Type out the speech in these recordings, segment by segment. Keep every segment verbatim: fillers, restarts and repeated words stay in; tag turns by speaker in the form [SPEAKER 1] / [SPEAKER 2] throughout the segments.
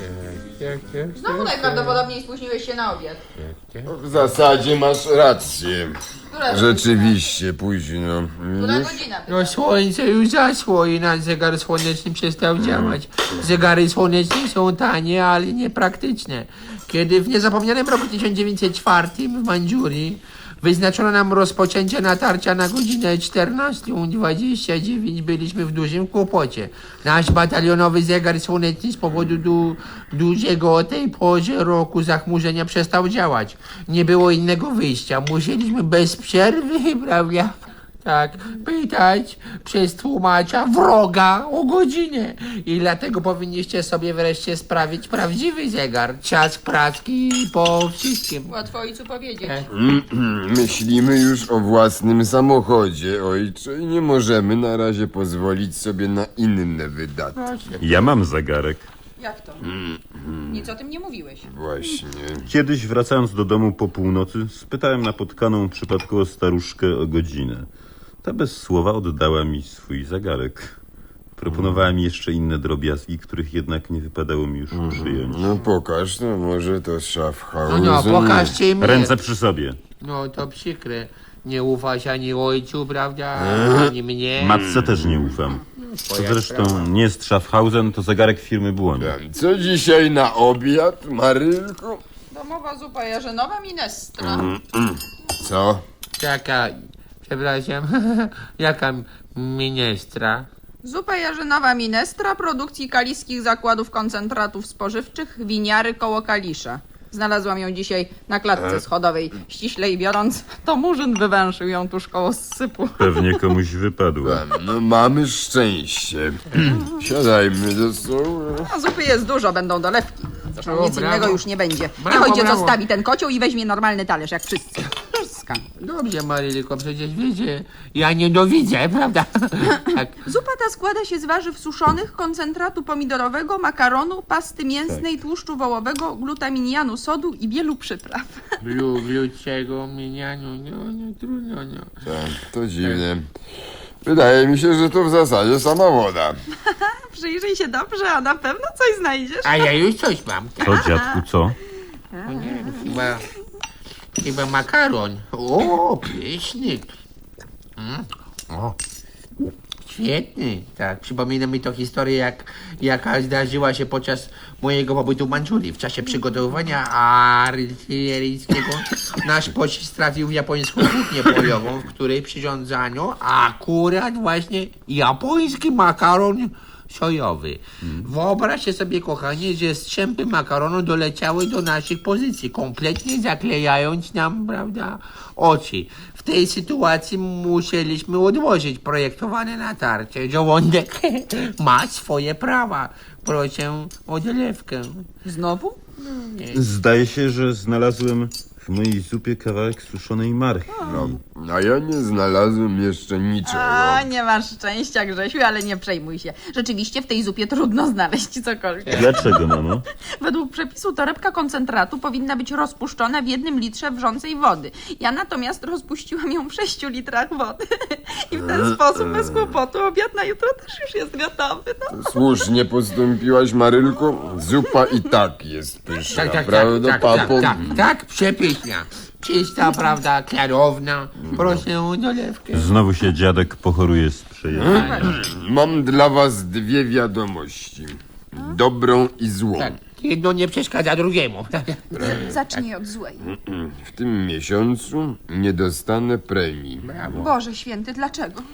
[SPEAKER 1] Znowu najprawdopodobniej spóźniłeś się na obiad.
[SPEAKER 2] W zasadzie masz rację.
[SPEAKER 1] Która
[SPEAKER 2] Rzeczywiście późno.
[SPEAKER 1] Która
[SPEAKER 2] Już?
[SPEAKER 1] godzina?
[SPEAKER 3] No słońce już zaszło i nasz zegar słoneczny przestał działać. Zegary słoneczne są tanie, ale niepraktyczne. Kiedy w niezapomnianym roku tysiąc dziewięćset czwartym w Mandżurii wyznaczono nam rozpoczęcie natarcia na godzinę czternastą dwadzieścia dziewięć, byliśmy w dużym kłopocie. Nasz batalionowy zegar słoneczny z powodu du dużego o tej porze roku zachmurzenia przestał działać. Nie było innego wyjścia. Musieliśmy bez przerwy, prawda? Tak, pytać przez tłumacza wroga o godzinę. I dlatego powinniście sobie wreszcie sprawić prawdziwy zegar. Czas praski po wszystkim.
[SPEAKER 1] Łatwo ojcu powiedzieć.
[SPEAKER 3] E.
[SPEAKER 2] Myślimy już o własnym samochodzie, ojcze, i nie możemy na razie pozwolić sobie na inne wydatki.
[SPEAKER 4] Ja mam zegarek.
[SPEAKER 1] Jak to? Nic o tym nie mówiłeś.
[SPEAKER 2] Właśnie.
[SPEAKER 4] Kiedyś wracając do domu po północy, spytałem napotkaną przypadkowo staruszkę o godzinę. Ta bez słowa oddała mi swój zegarek. Proponowała mi jeszcze inne drobiazgi, których jednak nie wypadało mi już przyjąć.
[SPEAKER 2] No pokaż, no może to
[SPEAKER 3] No,
[SPEAKER 2] Schaffhausen.
[SPEAKER 3] no, pokażcie im.
[SPEAKER 4] Ręce przy sobie.
[SPEAKER 3] No to przykre. Nie ufasz ani ojcu, prawda? Ani mnie.
[SPEAKER 4] Matce też nie ufam. To zresztą nie jest Schaffhausen, to zegarek firmy Błoń.
[SPEAKER 2] Co dzisiaj na obiad, Marylku?
[SPEAKER 1] Domowa zupa jarzynowa minestra.
[SPEAKER 2] Co?
[SPEAKER 3] Jaka, przepraszam, jaka minestra?
[SPEAKER 1] Zupa jarzynowa minestra produkcji kaliskich zakładów koncentratów spożywczych Winiary koło Kalisza. Znalazłam ją dzisiaj na klatce schodowej. Ściślej biorąc, to murzyn wywęszył ją tuż koło zsypu.
[SPEAKER 4] Pewnie komuś wypadło.
[SPEAKER 2] No mamy szczęście. Siadajmy do stołu.
[SPEAKER 1] A zupy jest dużo, będą dolewki. Zresztą
[SPEAKER 3] O,
[SPEAKER 1] nic
[SPEAKER 3] brawo.
[SPEAKER 1] innego już nie będzie.
[SPEAKER 3] Brawo,
[SPEAKER 1] Niech ojciec
[SPEAKER 3] brawo.
[SPEAKER 1] zostawi ten kocioł i weźmie normalny talerz, jak wszyscy. Skandal.
[SPEAKER 3] Dobrze, Marylko, przecież wiecie, ja nie dowidzę, prawda? Tak.
[SPEAKER 1] Zupa ta składa się z warzyw suszonych, koncentratu pomidorowego, makaronu, pasty mięsnej, tłuszczu wołowego, glutaminianu sodu i wielu przypraw.
[SPEAKER 3] Blu, bluczego, minianiu, no, no, trudno, no.
[SPEAKER 2] Tak, to dziwne. Wydaje mi się, że to w zasadzie sama woda.
[SPEAKER 1] Przyjrzyj się dobrze, a na pewno coś znajdziesz.
[SPEAKER 3] A ja już coś mam.
[SPEAKER 4] Co, dziadku, co?
[SPEAKER 3] O nie, chyba, chyba makaron. O, pyszny. Mm. O, świetny. Tak, przypomina mi to historię, jak, jaka zdarzyła się podczas mojego pobytu w Mandżurii. W czasie przygotowywania artyleryjskiego nasz pocisk trafił w japońską kuchnię polową, w której przyrządzano akurat właśnie japoński makaron sojowy. Wyobraźcie sobie, kochani, że strzępy makaronu doleciały do naszych pozycji, kompletnie zaklejając nam, prawda, oczy. W tej sytuacji musieliśmy odłożyć projektowane natarcie. Żołądek ma swoje prawa. Proszę o dolewkę.
[SPEAKER 1] Znowu?
[SPEAKER 4] Zdaje się, że znalazłem w mojej zupie kawałek suszonej marchwi.
[SPEAKER 2] No, a ja nie znalazłem jeszcze niczego.
[SPEAKER 1] A, nie masz szczęścia, Grzesiu, ale nie przejmuj się. Rzeczywiście w tej zupie trudno znaleźć cokolwiek.
[SPEAKER 4] Dlaczego, mamo?
[SPEAKER 1] Według przepisu torebka koncentratu powinna być rozpuszczona w jednym litrze wrzącej wody. Ja natomiast rozpuściłam ją w sześciu litrach wody. I w ten sposób bez kłopotu obiad na jutro też już jest gotowy. No.
[SPEAKER 2] Słusznie postąpiłaś, Marylku. Zupa i tak jest pyszna,
[SPEAKER 3] Tak, tak, tak,
[SPEAKER 2] prawda,
[SPEAKER 3] tak, tak,
[SPEAKER 2] papo?
[SPEAKER 3] tak, tak, przepiękna. Czysta, prawda, klarowna. Proszę o dolewkę.
[SPEAKER 4] Znowu się dziadek pochoruje z przejęcia.
[SPEAKER 2] Mam dla was dwie wiadomości. Dobrą i złą.
[SPEAKER 3] Tak, jedno nie przeszkadza drugiemu.
[SPEAKER 1] Zacznij od złej.
[SPEAKER 2] W tym miesiącu nie dostanę premii.
[SPEAKER 3] Brawo.
[SPEAKER 1] Boże święty, dlaczego?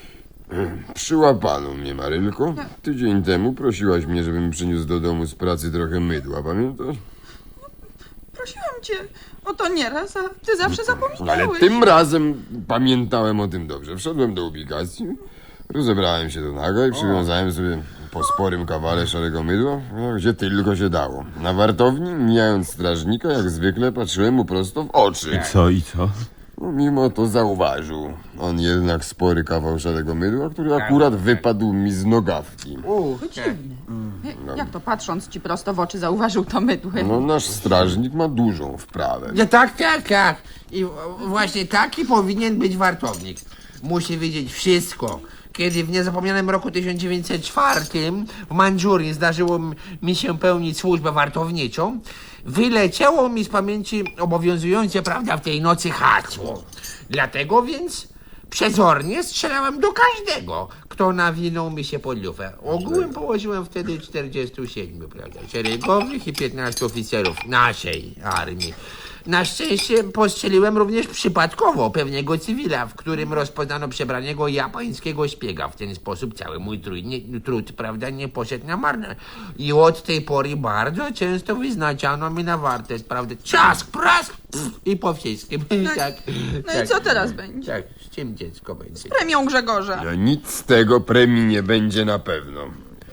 [SPEAKER 2] Przyłapano mnie, Marylko. Tydzień temu prosiłaś mnie, żebym przyniósł do domu z pracy trochę mydła, pamiętasz?
[SPEAKER 1] Prosiłam cię o to nieraz, a ty zawsze
[SPEAKER 2] Ale
[SPEAKER 1] zapominałeś.
[SPEAKER 2] tym razem pamiętałem o tym dobrze. Wszedłem do ubikacji, rozebrałem się do naga i przywiązałem sobie po sporym kawale szarego mydła, no, gdzie tylko się dało. Na wartowni, mijając strażnika, jak zwykle patrzyłem mu prosto w oczy.
[SPEAKER 4] Co i co?
[SPEAKER 2] No, mimo to zauważył on jednak spory kawał szarego mydła, który akurat wypadł mi z nogawki.
[SPEAKER 3] U, tak.
[SPEAKER 1] Jak to patrząc ci prosto w oczy zauważył to mydłe?
[SPEAKER 2] No, nasz strażnik ma dużą wprawę.
[SPEAKER 3] No tak, tak, tak. I w- właśnie taki powinien być wartownik. Musi wiedzieć wszystko. kiedy w niezapomnianym roku tysiąc dziewięćset czwartym w Mandżurii zdarzyło m- mi się pełnić służbę wartowniczą, wyleciało mi z pamięci obowiązujące, prawda, w tej nocy hasło. Dlatego więc przezornie strzelałem do każdego, kto nawinął mi się pod lufę. Ogółem położyłem wtedy czterdziestu siedmiu, prawda, szeregowych i piętnastu oficerów naszej armii. Na szczęście postrzeliłem również przypadkowo pewnego cywila, w którym rozpoznano przebranego japońskiego szpiega. W ten sposób cały mój trud, nie, trud prawda, nie poszedł na marne. I od tej pory bardzo często wyznaczano mi na wartę, prawda, ciask, prask pff, i po wszystkim. tak,
[SPEAKER 1] No
[SPEAKER 3] tak,
[SPEAKER 1] i co teraz będzie?
[SPEAKER 3] Tak, z czym dziecko będzie?
[SPEAKER 1] Premią Grzegorza.
[SPEAKER 2] No, nic z tego premii nie będzie na pewno.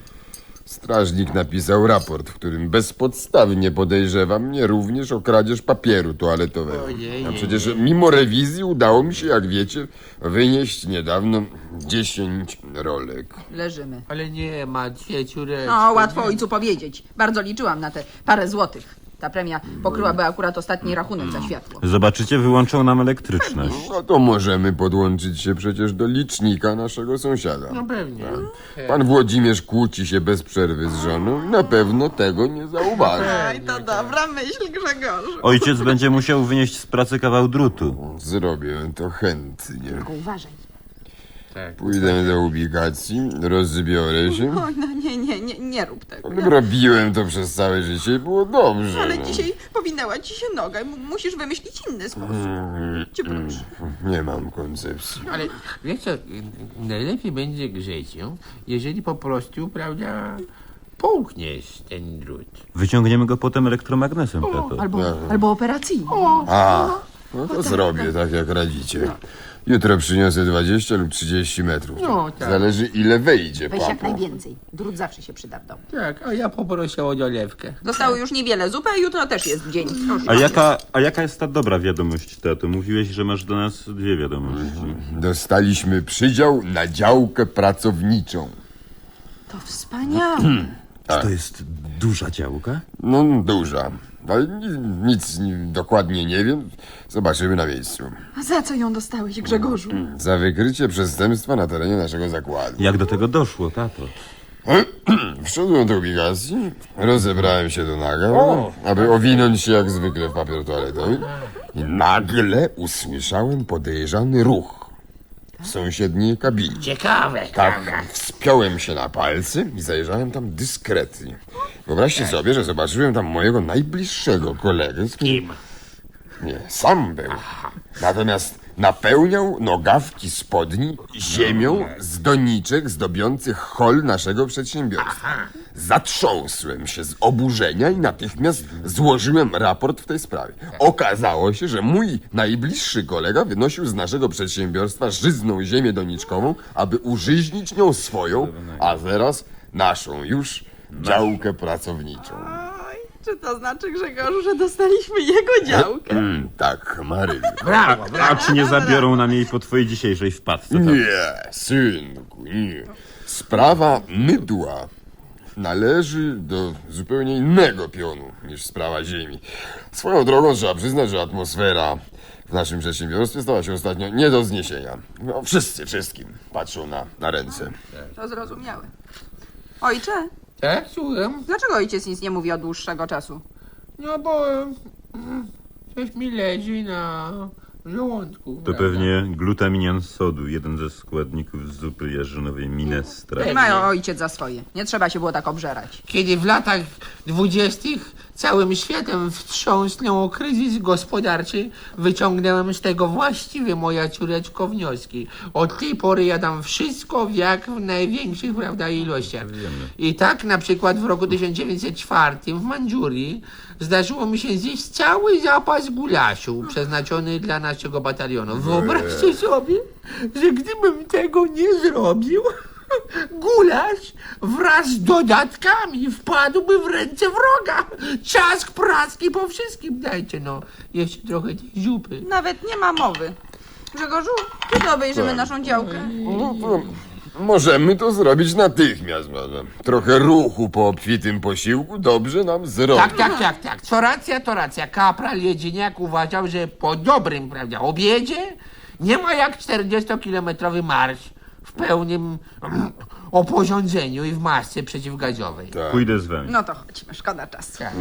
[SPEAKER 2] Strażnik napisał raport, w którym bezpodstawnie podejrzewa mnie również o kradzież papieru toaletowego.
[SPEAKER 3] Ojej.
[SPEAKER 2] A przecież mimo rewizji udało mi się, jak wiecie, wynieść niedawno dziesięć rolek.
[SPEAKER 1] Leżymy.
[SPEAKER 3] Ale nie ma cieciureczki.
[SPEAKER 1] No, łatwo ojcu powiedzieć. Bardzo liczyłam na te parę złotych. Ta premia pokryłaby akurat ostatni rachunek za światło.
[SPEAKER 4] Zobaczycie, wyłączą nam elektryczność.
[SPEAKER 2] No to możemy podłączyć się przecież do licznika naszego sąsiada.
[SPEAKER 3] No pewnie.
[SPEAKER 2] Pan Włodzimierz kłóci się bez przerwy z żoną, na pewno tego nie zauważy.
[SPEAKER 1] Oj, to dobra myśl, Grzegorzu.
[SPEAKER 4] Ojciec będzie musiał wynieść z pracy kawał drutu.
[SPEAKER 2] Zrobię to chętnie.
[SPEAKER 1] Uważaj.
[SPEAKER 3] Tak.
[SPEAKER 2] Pójdę do ubikacji, rozbiorę się.
[SPEAKER 1] Oj, no nie, nie, nie, nie rób tego.
[SPEAKER 2] Robiłem to przez całe życie i było dobrze.
[SPEAKER 1] Ale
[SPEAKER 2] no.
[SPEAKER 1] dzisiaj powinęła ci się noga. M- musisz wymyślić inny sposób. Cię proszę.
[SPEAKER 2] Nie mam koncepcji.
[SPEAKER 3] Ale wiesz co, najlepiej będzie, Grzesiu, jeżeli po prostu, prawda, połkniesz ten drut.
[SPEAKER 4] Wyciągniemy go potem elektromagnesem, tato.
[SPEAKER 1] Albo, albo operacyjnie.
[SPEAKER 2] A, no to zrobię tak, jak radzicie. Jutro przyniosę dwadzieścia lub trzydzieści metrów.
[SPEAKER 3] No, tak.
[SPEAKER 2] Zależy, ile wejdzie,
[SPEAKER 1] Weź jak
[SPEAKER 2] papo.
[SPEAKER 1] najwięcej. Drut zawsze się przyda w domu.
[SPEAKER 3] Tak, a ja poproszę o dolewkę.
[SPEAKER 1] Zostało już niewiele zupy, a jutro też jest dzień.
[SPEAKER 4] A jaka, a jaka jest ta dobra wiadomość, tato? Mówiłeś, że masz do nas dwie wiadomości.
[SPEAKER 2] Dostaliśmy przydział na działkę pracowniczą.
[SPEAKER 1] To wspaniałe.
[SPEAKER 4] Czy to jest duża działka?
[SPEAKER 2] No, duża. Ale ni- nic ni- dokładnie nie wiem. Zobaczymy na miejscu.
[SPEAKER 1] A za co ją dostałeś, Grzegorzu?
[SPEAKER 2] Za wykrycie przestępstwa na terenie naszego zakładu.
[SPEAKER 4] Jak do tego doszło, tato?
[SPEAKER 2] Wszedłem do ubikacji, rozebrałem się do naga, aby owinąć się jak zwykle w papier toaletowy i nagle usłyszałem podejrzany ruch w sąsiedniej kabinie.
[SPEAKER 3] Ciekawe.
[SPEAKER 2] Tak, wspiąłem się na palce i zajrzałem tam dyskretnie. Wyobraźcie sobie, że zobaczyłem tam mojego najbliższego kolegę, z którym
[SPEAKER 3] Kim?
[SPEAKER 2] nie, sam był. Natomiast napełniał nogawki spodni ziemią z doniczek zdobiących hol naszego przedsiębiorstwa. Zatrząsłem się z oburzenia i natychmiast złożyłem raport w tej sprawie. Okazało się, że mój najbliższy kolega wynosił z naszego przedsiębiorstwa żyzną ziemię doniczkową, aby użyźnić nią swoją, a teraz naszą już działkę pracowniczą.
[SPEAKER 1] Oj, czy to znaczy, Grzegorzu, że dostaliśmy jego działkę?
[SPEAKER 2] Mm, tak, Maryjo.
[SPEAKER 3] Brawo,
[SPEAKER 4] A
[SPEAKER 3] brawo.
[SPEAKER 4] czy nie zabiorą nam jej po twojej dzisiejszej wpadce, tato?
[SPEAKER 2] Nie, synku, nie. Sprawa mydła należy do zupełnie innego pionu niż sprawa ziemi. Swoją drogą trzeba przyznać, że atmosfera w naszym przedsiębiorstwie stała się ostatnio nie do zniesienia. No, wszyscy wszystkim patrzą na, na ręce.
[SPEAKER 1] To zrozumiałe. Ojcze,
[SPEAKER 3] Tak, słucham.
[SPEAKER 1] dlaczego ojciec nic nie mówi od dłuższego czasu?
[SPEAKER 3] No bo mm, coś mi leży na żołądku.
[SPEAKER 4] To
[SPEAKER 3] prawda?
[SPEAKER 4] pewnie glutaminian sodu, jeden ze składników zupy jarzynowej minestra.
[SPEAKER 1] Nie mają ojciec za swoje. Nie trzeba się było tak obżerać.
[SPEAKER 3] Kiedy w latach dwudziestych całym światem wstrząsnął kryzys gospodarczy, wyciągnąłem z tego właściwie, moja córeczko, wnioski. Od tej pory jadam wszystko w jak w największych, prawda, ilościach. I tak na przykład w roku tysiąc dziewięćset czwartym w Mandżurii zdarzyło mi się zjeść cały zapas gulaszu przeznaczony dla naszego batalionu. Wyobraźcie sobie, że gdybym tego nie zrobił, gulasz wraz z dodatkami wpadłby w ręce wroga. Ciask, praski po wszystkim. Dajcie no, jeszcze trochę tej zupy.
[SPEAKER 1] Nawet nie ma mowy. Grzegorzu, kiedy obejrzymy naszą działkę?
[SPEAKER 2] No to możemy to zrobić natychmiast, prawda? Trochę ruchu po obfitym posiłku dobrze nam zrobi.
[SPEAKER 3] Tak, tak, tak, tak. Co racja, to racja. Kapral Jedziniak uważał, że po dobrym, prawda, obiedzie nie ma jak czterdziestokilometrowy marsz w pełnym mm, oporządzeniu i w masce przeciwgaziowej.
[SPEAKER 2] Tak.
[SPEAKER 4] Pójdę z wami.
[SPEAKER 1] No to chodźmy, szkoda czasu.
[SPEAKER 3] Tak.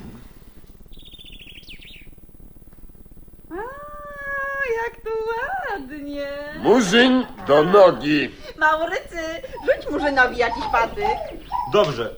[SPEAKER 1] A, jak tu ładnie.
[SPEAKER 2] Murzyn do nogi.
[SPEAKER 1] Maurycy, rzuć Murzynowi jakiś patyk.
[SPEAKER 4] Dobrze.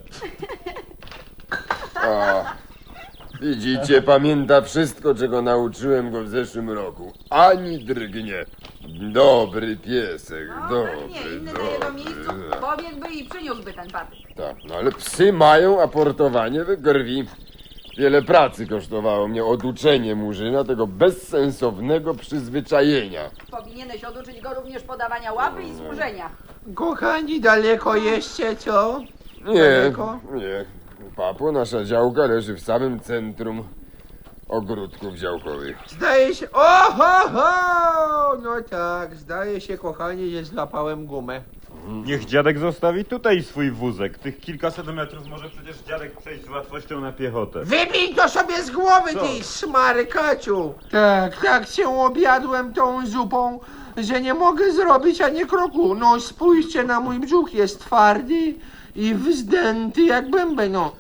[SPEAKER 2] O, widzicie, pamięta wszystko, czego nauczyłem go w zeszłym roku. Ani drgnie. Dobry piesek,
[SPEAKER 1] No,
[SPEAKER 2] dobry,
[SPEAKER 1] pewnie, inny na
[SPEAKER 2] dobry.
[SPEAKER 1] jego miejscu pobiegłby i przyniósłby ten patyk.
[SPEAKER 2] Tak, no ale psy mają aportowanie we krwi. Wiele pracy kosztowało mnie oduczenie Murzyna tego bezsensownego przyzwyczajenia.
[SPEAKER 1] Powinieneś oduczyć go również podawania łapy i służenia.
[SPEAKER 3] Kochani, daleko jeszcze, co?
[SPEAKER 2] Nie,
[SPEAKER 3] Daleko?
[SPEAKER 2] nie. Papo, nasza działka leży w samym centrum ogródków działkowych.
[SPEAKER 3] Zdaje się... Oho, ho! No tak, zdaje się, kochani, że złapałem gumę.
[SPEAKER 4] Niech dziadek zostawi tutaj swój wózek. Tych kilkaset metrów może przecież dziadek przejść z łatwością na piechotę.
[SPEAKER 3] Wybij to sobie z głowy,
[SPEAKER 4] Co?
[SPEAKER 3] ty szmarykaciu! Tak, tak się objadłem tą zupą, że nie mogę zrobić ani kroku. No spójrzcie na mój brzuch, jest twardy i wzdęty jak bęben, no.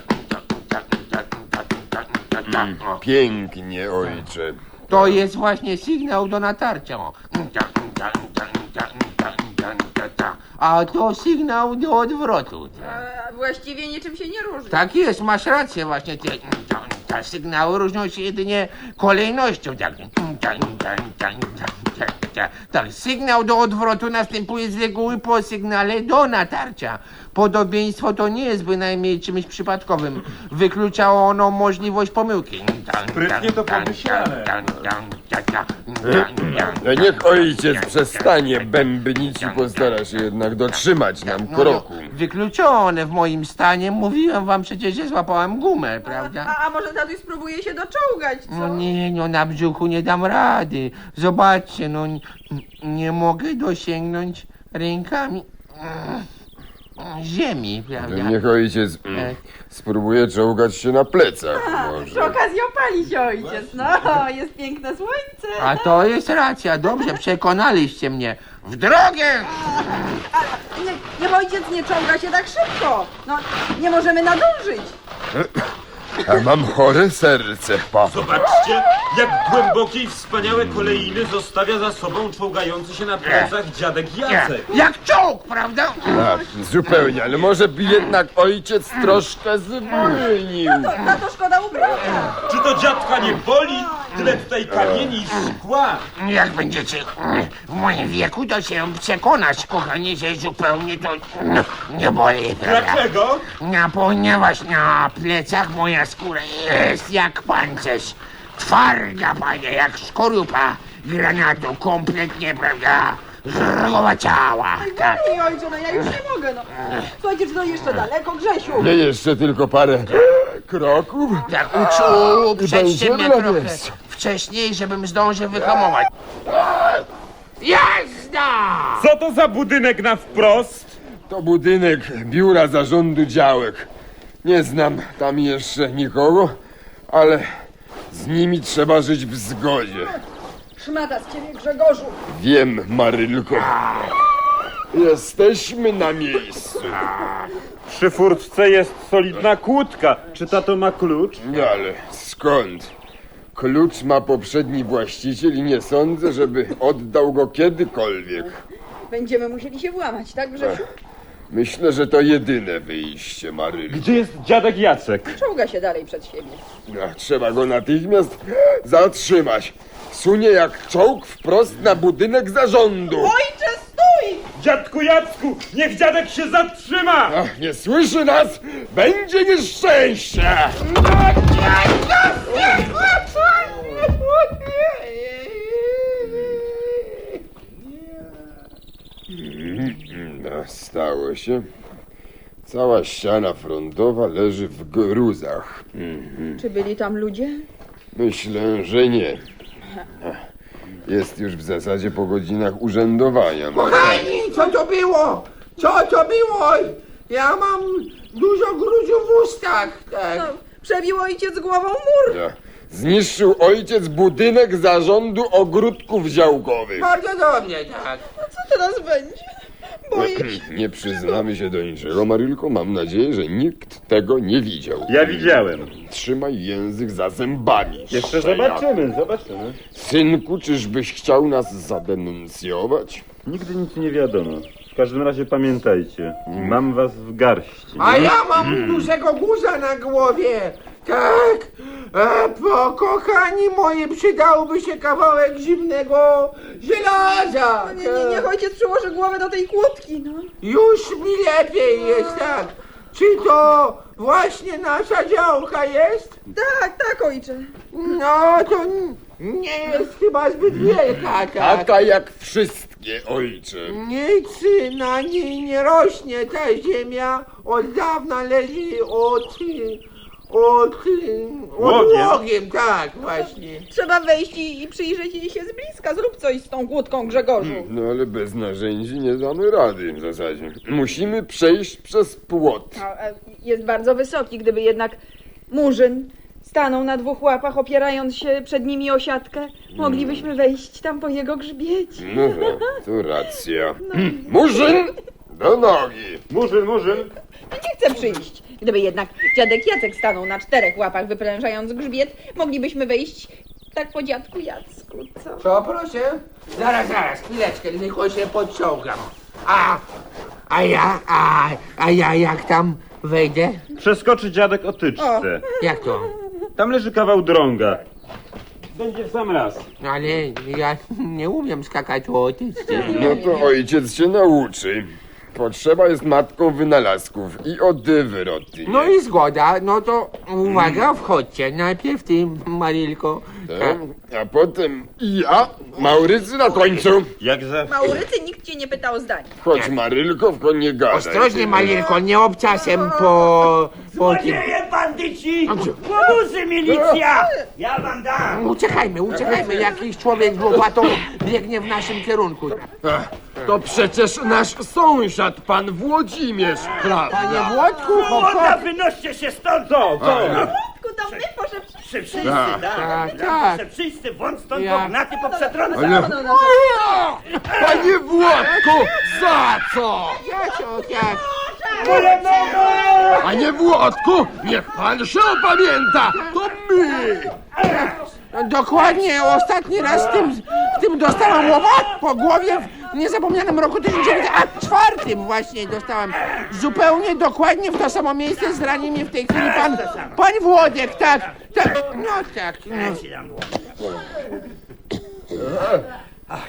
[SPEAKER 2] Pięknie, ojcze.
[SPEAKER 3] To jest właśnie sygnał do natarcia. o. A to sygnał do odwrotu.
[SPEAKER 1] E, właściwie niczym się nie różni.
[SPEAKER 3] Tak jest, masz rację właśnie. Te, te sygnały różnią się jedynie kolejnością. Tak. Tak, sygnał do odwrotu następuje z reguły po sygnale do natarcia. Podobieństwo to nie jest bynajmniej czymś przypadkowym. Wykluczało ono możliwość pomyłki.
[SPEAKER 4] Sprytnie to pomyślane.
[SPEAKER 2] No niech ojciec przestanie bębnić i postara się jednak dotrzymać nam
[SPEAKER 3] No,
[SPEAKER 2] kroku.
[SPEAKER 3] no, wykluczone w moim stanie. Mówiłem wam przecież, że złapałem gumę, prawda?
[SPEAKER 1] A, a może tatuś spróbuje się doczołgać, co?
[SPEAKER 3] No nie, no na brzuchu nie dam rady. Zobaczcie, no n- nie mogę dosięgnąć rękami mm, ziemi,
[SPEAKER 2] To
[SPEAKER 3] prawda?
[SPEAKER 2] niech ojciec mm, spróbuje czołgać się na plecach
[SPEAKER 1] Przy
[SPEAKER 2] może.
[SPEAKER 1] okazji opali się ojciec. No, jest piękne słońce.
[SPEAKER 3] A to jest racja, dobrze, przekonaliście mnie. W drogę!
[SPEAKER 1] A, nie, niech ojciec nie czołga się tak szybko. No, nie możemy nadążyć.
[SPEAKER 2] A mam chore serce, papo.
[SPEAKER 5] Zobaczcie, jak głębokie i wspaniałe kolejiny zostawia za sobą czołgający się na plecach dziadek Jacek.
[SPEAKER 3] Jak czołg, prawda?
[SPEAKER 2] Tak, zupełnie, ale może by jednak ojciec troszkę zwolnił.
[SPEAKER 1] To, na to szkoda ubrania.
[SPEAKER 5] Czy to dziadka nie boli? Tyle tutaj kamieni i szkła.
[SPEAKER 3] Jak będziecie w moim wieku, to się przekonać, kochanie, że zupełnie to nie boli, prawda?
[SPEAKER 5] Dlaczego?
[SPEAKER 3] No, ponieważ na plecach moja skóra jest jak pancerz. Twarda, panie, jak skorupa granatu, kompletnie, prawda? Zrogowaciała. Tak.
[SPEAKER 1] Ej, ojcze, no ja już nie mogę, no. Słuchajcie, czy to jeszcze daleko, Grzesiu?
[SPEAKER 2] Nie jeszcze tylko parę kroków.
[SPEAKER 3] Tak, uczuł, uprzedzcie mnie
[SPEAKER 2] będzie
[SPEAKER 3] trochę
[SPEAKER 2] radość.
[SPEAKER 3] wcześniej, żebym zdążył wyhamować. Jazda!
[SPEAKER 5] Co to za budynek na wprost?
[SPEAKER 2] To budynek biura zarządu działek. Nie znam tam jeszcze nikogo, ale z nimi trzeba żyć w zgodzie.
[SPEAKER 1] Szmata z ciebie, Grzegorzu.
[SPEAKER 2] Wiem, Marylko. Jesteśmy na miejscu.
[SPEAKER 5] Przy furtce jest solidna kłódka. Czy tato ma klucz?
[SPEAKER 2] No ale skąd? Klucz ma poprzedni właściciel i nie sądzę, żeby oddał go kiedykolwiek.
[SPEAKER 1] Będziemy musieli się włamać, tak, Grzesiu?
[SPEAKER 2] Myślę, że to jedyne wyjście, Marylko.
[SPEAKER 5] Gdzie jest dziadek Jacek?
[SPEAKER 1] Czołga się dalej przed siebie.
[SPEAKER 2] No, trzeba go natychmiast zatrzymać. Sunie jak czołg wprost na budynek zarządu.
[SPEAKER 1] Ojcze, stój!
[SPEAKER 5] Dziadku Jacku, niech dziadek się zatrzyma!
[SPEAKER 2] Ach, nie słyszy nas? Będzie nieszczęście! No, stało się. Cała ściana frontowa leży w gruzach.
[SPEAKER 1] Czy byli tam ludzie?
[SPEAKER 2] Myślę, że nie. Jest już w zasadzie po godzinach urzędowania.
[SPEAKER 3] Kochani, co to było? Co to było? Ja mam dużo gruzu w ustach, tak.
[SPEAKER 1] No, przebił ojciec głową mur.
[SPEAKER 2] Ja, Zniszczył ojciec budynek zarządu ogródków działkowych.
[SPEAKER 3] Bardzo dobrze, tak.
[SPEAKER 1] Co teraz będzie? Boję się.
[SPEAKER 2] Nie przyznamy się do niczego, Marylko. Mam nadzieję, że nikt tego nie widział.
[SPEAKER 4] Ja widziałem.
[SPEAKER 2] Trzymaj język za zębami.
[SPEAKER 4] Jeszcze
[SPEAKER 2] szczeniak.
[SPEAKER 4] zobaczymy, zobaczymy.
[SPEAKER 2] Synku, czyżbyś chciał nas zadenuncjować?
[SPEAKER 4] Nigdy nic nie wiadomo. W każdym razie pamiętajcie, mam was w garści.
[SPEAKER 3] A ja mam dużego guza na głowie. Tak. E, po kochani moje przydałoby się kawałek zimnego żelaza.
[SPEAKER 1] No nie, nie, niech ojciec przyłoży głowę do tej kłódki, no.
[SPEAKER 3] Już mi lepiej jest, tak. Czy to właśnie nasza działka jest?
[SPEAKER 1] Tak, tak, ojcze.
[SPEAKER 3] No to n- nie jest chyba zbyt wielka, tak.
[SPEAKER 2] Taka jak wszystkie, ojcze.
[SPEAKER 3] Nic na niej nie rośnie, ta ziemia od dawna leży od... od... od
[SPEAKER 4] Łogiem.
[SPEAKER 3] łogiem, tak, właśnie.
[SPEAKER 1] Trzeba wejść i, i przyjrzeć jej się z bliska. Zrób coś z tą kłódką, Grzegorzu.
[SPEAKER 2] No ale bez narzędzi nie damy rady w zasadzie. Musimy przejść przez płot.
[SPEAKER 1] A, a, jest bardzo wysoki, gdyby jednak Murzyn stanął na dwóch łapach, opierając się przed nimi o siatkę, moglibyśmy wejść tam po jego grzbiecie.
[SPEAKER 2] No tak, to racja. Murzyn, do nogi.
[SPEAKER 4] Murzyn, Murzyn.
[SPEAKER 1] Nie chcę przyjść. Gdyby jednak dziadek Jacek stanął na czterech łapach, wyprężając grzbiet, moglibyśmy wejść tak po dziadku Jacku, co?
[SPEAKER 3] Co, proszę? Zaraz, zaraz, chwileczkę, tylko się podciągam. A, a ja, a, a ja jak tam wejdę?
[SPEAKER 4] Przeskoczy dziadek o tyczce.
[SPEAKER 3] Jak to?
[SPEAKER 4] Tam leży kawał drąga. Będzie w sam raz.
[SPEAKER 3] Ale ja nie umiem skakać o tyczce.
[SPEAKER 2] No to ojciec się nauczy. Potrzeba jest matką wynalazków i odwroty.
[SPEAKER 3] No i zgoda, no to uwaga, wchodźcie. Najpierw ty, Marylko.
[SPEAKER 2] Tak, a potem i ja, Maurycy na końcu.
[SPEAKER 4] Jak zawsze.
[SPEAKER 1] Maurycy, nikt cię nie pytał o zdanie.
[SPEAKER 2] Chodź Marylko, w koń nie gadaj.
[SPEAKER 3] Ostrożnie, Marylko, nie obczasem po... po tym.
[SPEAKER 6] Złodzieje, bandyci! Łobuzy, milicja! Ja wam dam!
[SPEAKER 3] Uciekajmy, uciekajmy, jakiś człowiek z łopatą biegnie w naszym kierunku.
[SPEAKER 2] Ach, to przecież nasz sąsiad, pan Włodzimierz, prawda?
[SPEAKER 3] Panie Włodku, hop,
[SPEAKER 6] Młoda,
[SPEAKER 3] hop.
[SPEAKER 6] wynoście się stąd!
[SPEAKER 4] Co, co?
[SPEAKER 1] Ku to my poszedł.
[SPEAKER 6] Przy wszyscy,
[SPEAKER 2] Tak,
[SPEAKER 6] tak,
[SPEAKER 3] tak,
[SPEAKER 6] tak,
[SPEAKER 3] tak.
[SPEAKER 6] Przy wszyscy, włącz stąd,
[SPEAKER 3] Ja-
[SPEAKER 6] bo gnaty poprzetrącam!
[SPEAKER 2] Ale... Panie Włodku, za co?
[SPEAKER 3] Jacek, jak?
[SPEAKER 2] Panie Włodku, niech pan się opamięta, to my!
[SPEAKER 3] Dokładnie, ostatni raz w tym, w tym dostałem łopat po głowie w niezapomnianym roku tysiąc dziewięćset czwartym właśnie dostałem. Zupełnie dokładnie w to samo miejsce zrani mnie w tej chwili pan, pan Włodek, tak, tak, no tak, no.
[SPEAKER 6] Ja ci dam dłoń. Ach.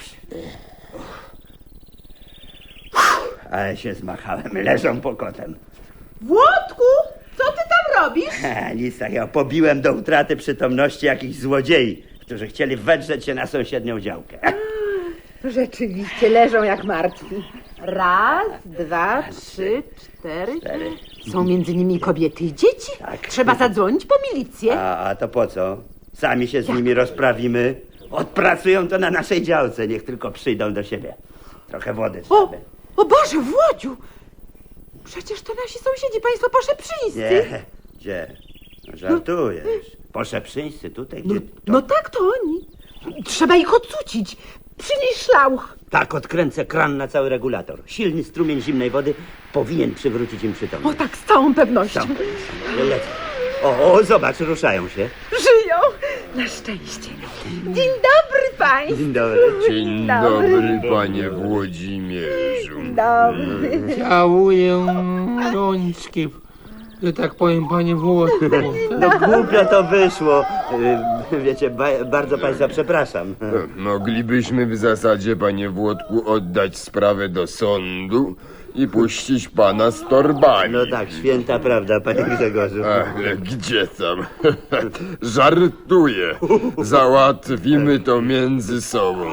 [SPEAKER 6] Ale się zmachałem, leżą pokotem.
[SPEAKER 1] Włodku, co ty tam robisz?
[SPEAKER 6] Ha, nic takiego, pobiłem do utraty przytomności jakichś złodziei, którzy chcieli wedrzeć się na sąsiednią działkę.
[SPEAKER 1] Rzeczywiście leżą jak martwi. Raz, dwa, trzy, cztery.
[SPEAKER 6] Cztery.
[SPEAKER 1] Są między nimi kobiety i dzieci.
[SPEAKER 6] Tak.
[SPEAKER 1] Trzeba zadzwonić po milicję.
[SPEAKER 6] A, a to po co? Sami się z nimi rozprawimy. Odpracują to na naszej działce, niech tylko przyjdą do siebie. Trochę wody
[SPEAKER 1] O,
[SPEAKER 6] trzeba.
[SPEAKER 1] o Boże, Włodziu! Przecież to nasi sąsiedzi, państwo poszeprzyńscy.
[SPEAKER 6] Nie, gdzie? No, żartujesz. Poszeprzyńscy tutaj,
[SPEAKER 1] No,
[SPEAKER 6] gdzie? To...
[SPEAKER 1] no tak, to oni. Trzeba ich odcucić. Przynieś szlauch.
[SPEAKER 6] Tak, odkręcę kran na cały regulator. Silny strumień zimnej wody powinien przywrócić im
[SPEAKER 1] O
[SPEAKER 6] przytomność.
[SPEAKER 1] tak, z całą pewnością.
[SPEAKER 6] Tam, lecę. O, o, zobacz, ruszają się.
[SPEAKER 1] Żyją. Na szczęście. Dzień dobry państwu.
[SPEAKER 6] Dzień dobry.
[SPEAKER 2] Dzień dobry, panie Włodzimierzu.
[SPEAKER 1] Dobry.
[SPEAKER 3] Całuję rączki, że tak powiem, panie Włodku.
[SPEAKER 6] No głupio to wyszło. Y, Wiecie, ba bardzo państwa przepraszam.
[SPEAKER 2] Moglibyśmy w zasadzie, panie Włodku, oddać sprawę do sądu i puścić pana z torbami.
[SPEAKER 6] No tak, święta prawda, panie Grzegorzu.
[SPEAKER 2] Ale gdzie tam? Żartuję. Załatwimy to między sobą.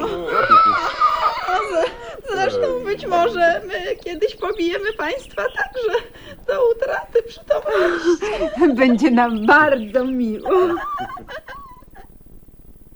[SPEAKER 1] Zresztą być może my kiedyś pobijemy państwa także do utraty przytomności. Będzie nam bardzo miło.